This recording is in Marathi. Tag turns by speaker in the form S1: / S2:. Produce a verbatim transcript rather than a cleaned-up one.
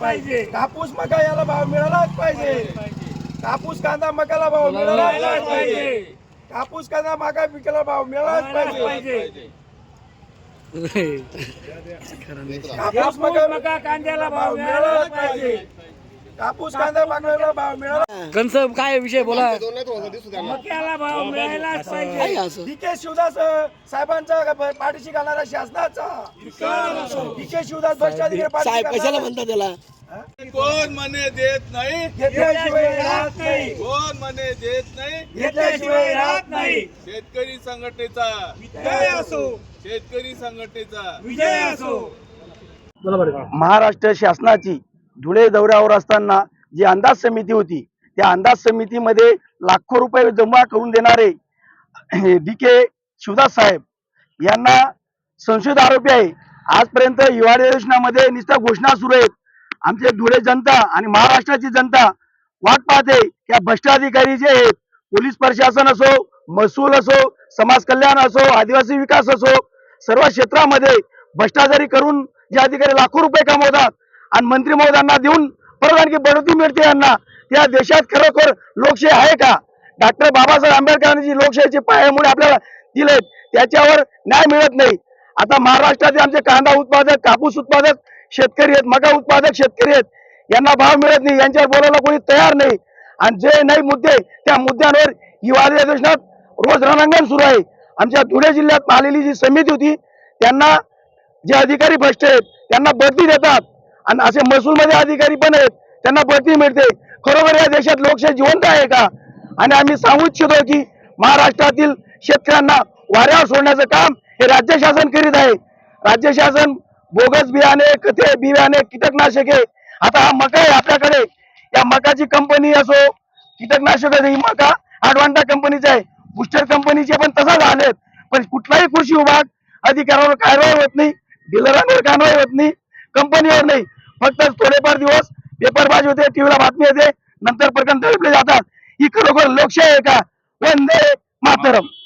S1: पाहिजे। कापूस मका याला भाव मिळालाच पाहिजे। कापूस कांदा मकाला भाव मिळालाच पाहिजे। कापूस कांदा मका पिकाला भाव मिळालाच पाहिजे। कापूस मका कांद्याला भाव मिळालाच पाहिजे। कापूस कांदा मकाला भाव मिळाला।
S2: कंस काय विषय बोला।
S1: मक्याला भाव मिळालाच पाहिजे। डीके शिवदास साहेबांचा पाठीशी घालणारा शासनाचा डीके शिवदास भ्रष्टाधिकारी
S2: साहेब कशाला म्हणतात त्याला?
S3: कोण मने देत नाही
S1: घेतल्याशिवाय राहत नाही।
S3: कोण मने देत नाही
S1: घेतल्याशिवाय राहत नाही।
S3: शेतकरी संघटनेचा
S1: विजय असो।
S3: शेतकरी संघटनेचा
S1: विजय असो।
S4: महाराष्ट्र शासनाची धुळे दौऱ्यावर असताना जी अंदाज समिती होती त्या अंदाज समितीमध्ये लाखो रुपये जमा करून देणारे डी के शिवदास साहेब यांना संशयित आरोपी आहे। आजपर्यंत युवा अधिवेशनामध्ये नुसत्या घोषणा सुरू आहेत। आमचे धुळे जनता आणि महाराष्ट्राची जनता वाट पाहते की भ्रष्ट अधिकारी जे आहेत, पोलीस प्रशासन असो, महसूल असो, समाज कल्याण असो, आदिवासी विकास असो, सर्व क्षेत्रामध्ये भ्रष्टाचारी करून जे अधिकारी लाखो रुपये कमवतात आणि मंत्री महोदयांना देऊन परत आणखी बढती मिळते यांना, त्या देशात खरोखर लोकशाही आहे का? डॉक्टर बाबासाहेब आंबेडकरांनी जी लोकशाहीचे पायामुळे आपल्याला दिले त्याच्यावर न्याय मिळत नाही। आता महाराष्ट्रातील आमचे कांदा उत्पादक, कापूस उत्पादक शेतकरी आहेत, मका उत्पादक शेतकरी आहेत, यांना भाव मिळत नाही, यांच्यावर बोलायला कोणी तयार नाही। आणि जे नाही मुद्दे त्या मुद्द्यांवर युवा अधिवेशनात रोज रणांगण सुरू आहे। आमच्या धुळे जिल्ह्यात आलेली जी समिती होती त्यांना जे अधिकारी भ्रष्ट आहेत त्यांना बढती देतात आणि असे महसूलमध्ये अधिकारी पण आहेत त्यांना बढती मिळते। खरोखर या देशात लोकशाही जिवंत आहे का? आणि आम्ही सांगू इच्छितो की महाराष्ट्रातील शेतकऱ्यांना वाऱ्यावर सोडण्याचं काम हे राज्य शासन करीत आहे। राज्य शासन बोगस बियाणे, खते, बियाणे, कीटकनाशके, आता हा मका आहे आपल्याकडे, या मकाची कंपनी असो, कीटकनाशक ही मका अडवांटा कंपनीचा आहे, बुस्टर कंपनीचे पण तसा झालेत, पण कुठलाही कृषी विभाग अधिकाऱ्यावर कारवाई होत नाही, डीलरांवर कारवाई होत नाही, कंपनीवर नाही, फक्त थोडेफार दिवस पेपरबाजी होते, टीव्हीला बातमी येते, नंतर प्रकरण दडपले जातात। ही खरोखर लोकशाही आहे का? वंदे मातरम।